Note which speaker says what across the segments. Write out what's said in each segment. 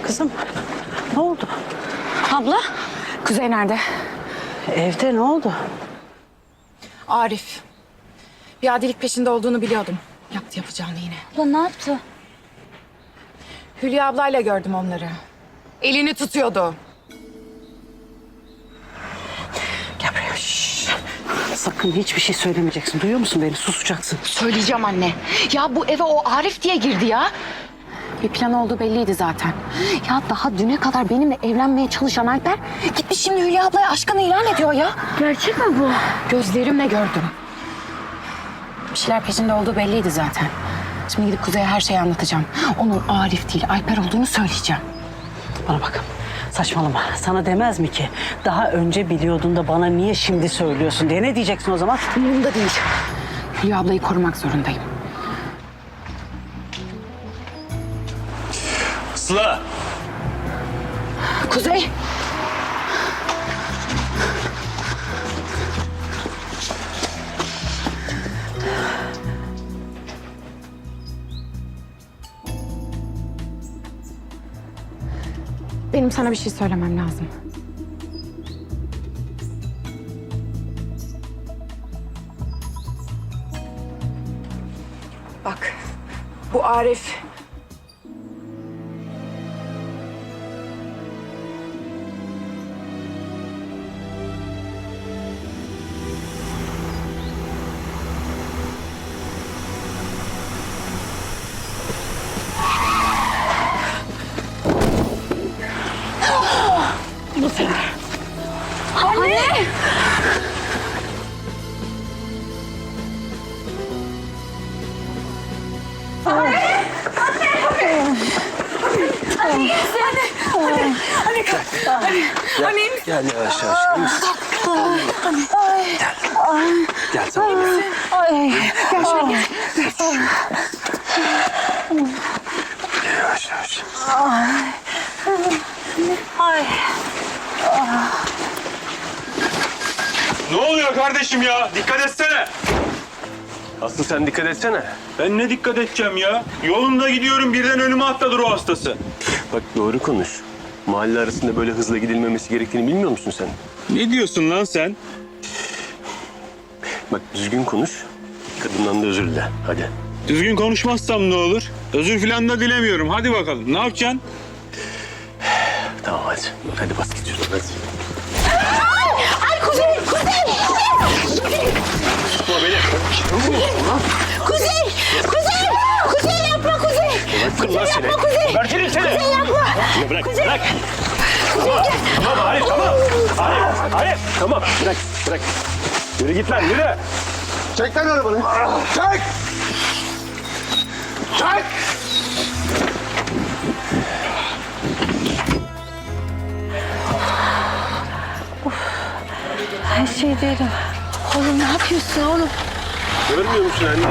Speaker 1: Kızım, ne oldu?
Speaker 2: Abla, Kuzey nerede?
Speaker 1: Evde ne oldu?
Speaker 2: Arif. Bir adilik peşinde olduğunu biliyordum. Yaptı yapacağını yine.
Speaker 3: Abla ne yaptı?
Speaker 2: Hülya ablayla gördüm onları. Elini tutuyordu.
Speaker 1: Gel buraya. Şşş. Sakın hiçbir şey söylemeyeceksin. Duyuyor musun beni? Susacaksın.
Speaker 3: Söyleyeceğim anne. Ya bu eve o Arif diye girdi ya.
Speaker 2: Bir plan olduğu belliydi zaten.
Speaker 3: Ya daha düne kadar benimle evlenmeye çalışan Alper gitmiş şimdi Hülya ablaya aşkını ilan ediyor ya. Gerçek mi bu?
Speaker 2: Gözlerimle gördüm. Bir şeyler peşinde olduğu belliydi zaten. Şimdi gidip Kuzey'e her şeyi anlatacağım. Onun Arif değil, Alper olduğunu söyleyeceğim.
Speaker 1: Bana bakın. Saçmalama. Sana demez mi ki? Daha önce biliyordun da bana niye şimdi söylüyorsun diye. Ne diyeceksin o zaman?
Speaker 2: Umurumda değil. Hülya ablayı korumak zorundayım.
Speaker 4: Sıla!
Speaker 2: Kuzey! Benim sana bir şey söylemem lazım. Bak, bu Arif...
Speaker 3: Anne!
Speaker 4: Gel yavaş yavaş. İyi misin? Gel. Gel tamam gel. Yavaş yavaş.
Speaker 5: Ne oluyor kardeşim ya? Dikkat etsene.
Speaker 4: Aslı sen dikkat etsene.
Speaker 5: Ben ne dikkat edeceğim ya? Yolunda gidiyorum birden önüme atladı ruh hastası.
Speaker 4: Bak doğru konuş. Mahalle arasında böyle hızla gidilmemesi gerektiğini bilmiyor musun sen?
Speaker 5: Ne diyorsun lan sen?
Speaker 4: Bak düzgün konuş. Kadından da özür dile. Hadi.
Speaker 5: Düzgün konuşmazsam ne olur? Özür falan da dilemiyorum. Hadi bakalım. Ne yapacaksın?
Speaker 4: Tamam hadi. Hadi bas git şuradan hadi.
Speaker 3: Ay Kuzey! Kuzey!
Speaker 4: Tutma beni.
Speaker 3: Kuzey! Kuzey! Kuzey yapma Kuzey!
Speaker 4: Bırakın lan seni.
Speaker 3: Kuzey!
Speaker 4: Berkerim seni.
Speaker 3: Kuzey yapma!
Speaker 4: Ya bırak. Bırak. Tamam Arif tamam. Arif. Tamam bırak. Bırak. Yürü git lan yürü.
Speaker 6: Çek lan arabanı. Çek! Çek!
Speaker 1: Her şey değilim.
Speaker 3: Oğlum ne yapıyorsun oğlum?
Speaker 4: Görmüyor musun anne?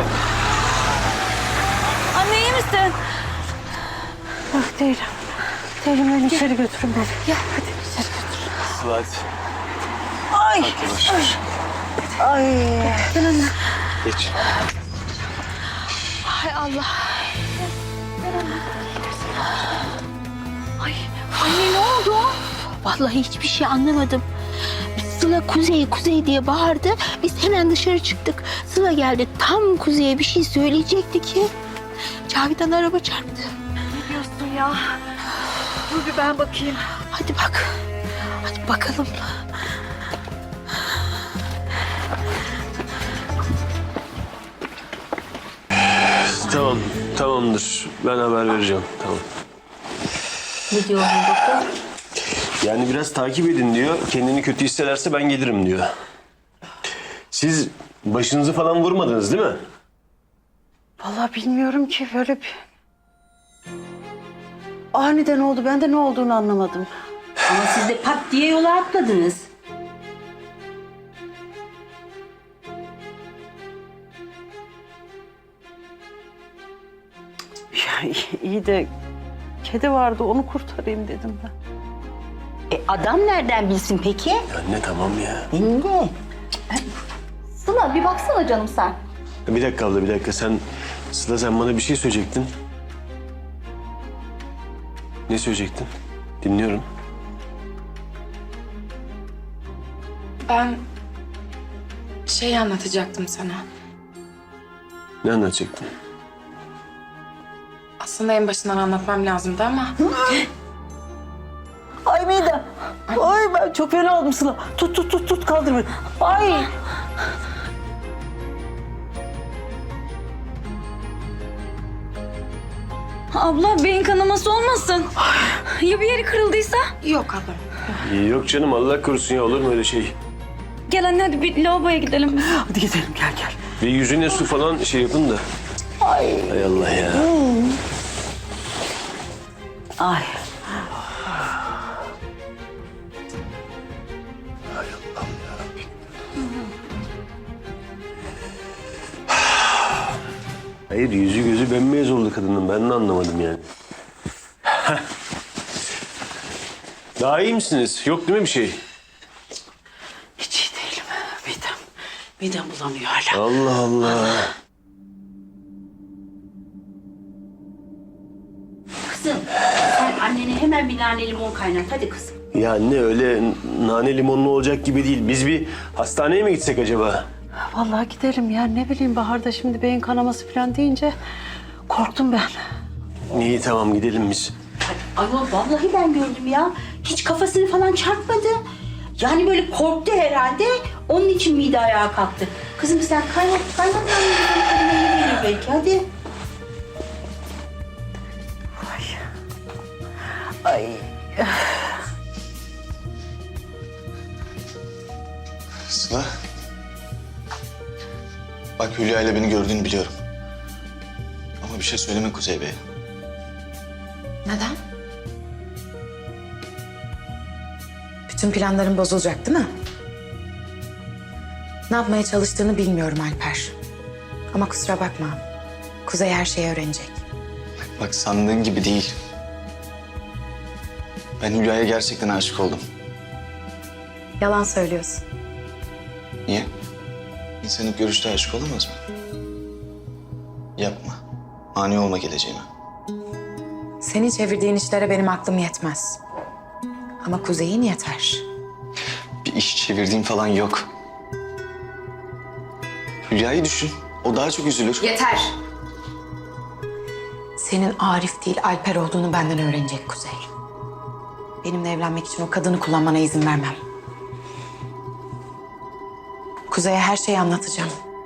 Speaker 3: Anne iyi misin?
Speaker 1: Yok değilim. Değilim, beni içeri götürün beni.
Speaker 3: Gel hadi içeri götür.
Speaker 4: Sıla hadi.
Speaker 1: Ay.
Speaker 4: Yavaş yavaş.
Speaker 1: Ay.
Speaker 4: Geç.
Speaker 3: Hay Allah. Ay anne ne oldu? Vallahi hiçbir şey anlamadım. Sıla Kuzey Kuzey diye bağırdı. Biz hemen dışarı çıktık. Sıla geldi tam Kuzey'e bir şey söyleyecekti ki Cavidan araba çarptı.
Speaker 7: Ne diyorsun ya? Dur bir ben bakayım.
Speaker 3: Hadi bak. Hadi bakalım.
Speaker 4: Tamam. Tamamdır. Ben haber vereceğim. Tamam.
Speaker 3: Ne diyor doktor?
Speaker 4: Yani biraz takip edin diyor. Kendini kötü hissederse ben gelirim diyor. Siz başınızı falan vurmadınız değil mi?
Speaker 1: Vallahi bilmiyorum ki, böyle bir... Aniden oldu. Ben de ne olduğunu anlamadım.
Speaker 8: Ama siz de pat diye yola atladınız.
Speaker 1: Ya iyi de kedi vardı, onu kurtarayım dedim ben.
Speaker 8: Adam nereden bilsin peki?
Speaker 4: Anne tamam ya.
Speaker 8: Ne?
Speaker 3: Sıla bir baksana canım sen.
Speaker 4: Bir dakika abla bir dakika. Sıla sen bana bir şey söyleyecektin. Ne söyleyecektin? Dinliyorum.
Speaker 2: Ben şey anlatacaktım sana.
Speaker 4: Ne anlatacaktın?
Speaker 2: Aslında en başından anlatmam lazımdı ama...
Speaker 1: Ay midem. Ay ben çok fena oldum Sıla. Tut kaldır beni. Ay.
Speaker 7: Abla beyin kanaması olmasın. Ya bir yeri kırıldıysa?
Speaker 2: Yok ablam.
Speaker 4: Yok canım, Allah korusun ya, olur mu öyle şey?
Speaker 7: Gel anne hadi bir lavaboya gidelim biz.
Speaker 1: Hadi gidelim gel.
Speaker 4: Bir yüzüne su falan şey yapın da. Hay Allah ya.
Speaker 1: Ay.
Speaker 4: Hayır, yüzü gözü bembeyaz oldu kadının. Ben de anlamadım yani. Daha iyi misiniz? Yok değil mi bir şey?
Speaker 1: Hiç iyi değilim. Midem bulanıyor hala.
Speaker 4: Allah Allah.
Speaker 8: Kızım sen annene hemen bir nane limon kaynat. Hadi kızım.
Speaker 4: Ya anne, öyle nane limonlu olacak gibi değil. Biz bir hastaneye mi gitsek acaba?
Speaker 1: Vallahi gidelim ya. Ne bileyim Bahar'da şimdi beyin kanaması falan deyince korktum ben.
Speaker 4: İyi, tamam, gidelim biz.
Speaker 8: Ayol vallahi ben gördüm ya. Hiç kafasını falan çarpmadı. Yani böyle korktu herhalde. Onun için mide ayağa kalktı. Kızım sen kaynat annene iyi gelir belki. Hadi.
Speaker 1: Ay.
Speaker 6: Sıla. Bak, Hülya ile beni gördüğünü biliyorum. Ama bir şey söyleme Kuzey Bey'e.
Speaker 2: Neden? Bütün planların bozulacak değil mi? Ne yapmaya çalıştığını bilmiyorum Alper. Ama kusura bakma. Kuzey her şeyi öğrenecek.
Speaker 6: Bak, sandığın gibi değil. Ben Hülya'ya gerçekten aşık oldum.
Speaker 2: Yalan söylüyorsun.
Speaker 6: Niye? İnsan ilk görüşte aşık olamaz mı? Yapma. Mani olma geleceğime.
Speaker 2: Senin çevirdiğin işlere benim aklım yetmez. Ama Kuzey'in yeter.
Speaker 6: Bir iş çevirdiğim falan yok. Hülya'yı düşün. O daha çok üzülür.
Speaker 2: Yeter. Senin Arif değil Alper olduğunu benden öğrenecek Kuzey. Benimle evlenmek için o kadını kullanmana izin vermem. Kuzey'e her şeyi anlatacağım.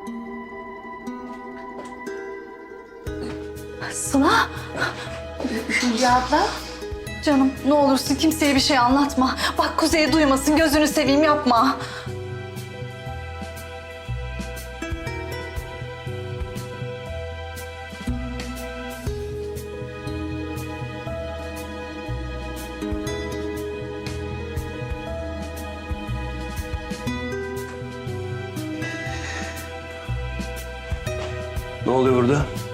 Speaker 7: Sıla.
Speaker 2: Hülya abla.
Speaker 7: Canım ne olursun kimseye bir şey anlatma. Bak Kuzey'e duymasın gözünü seveyim yapma.
Speaker 4: Ne oluyor burada?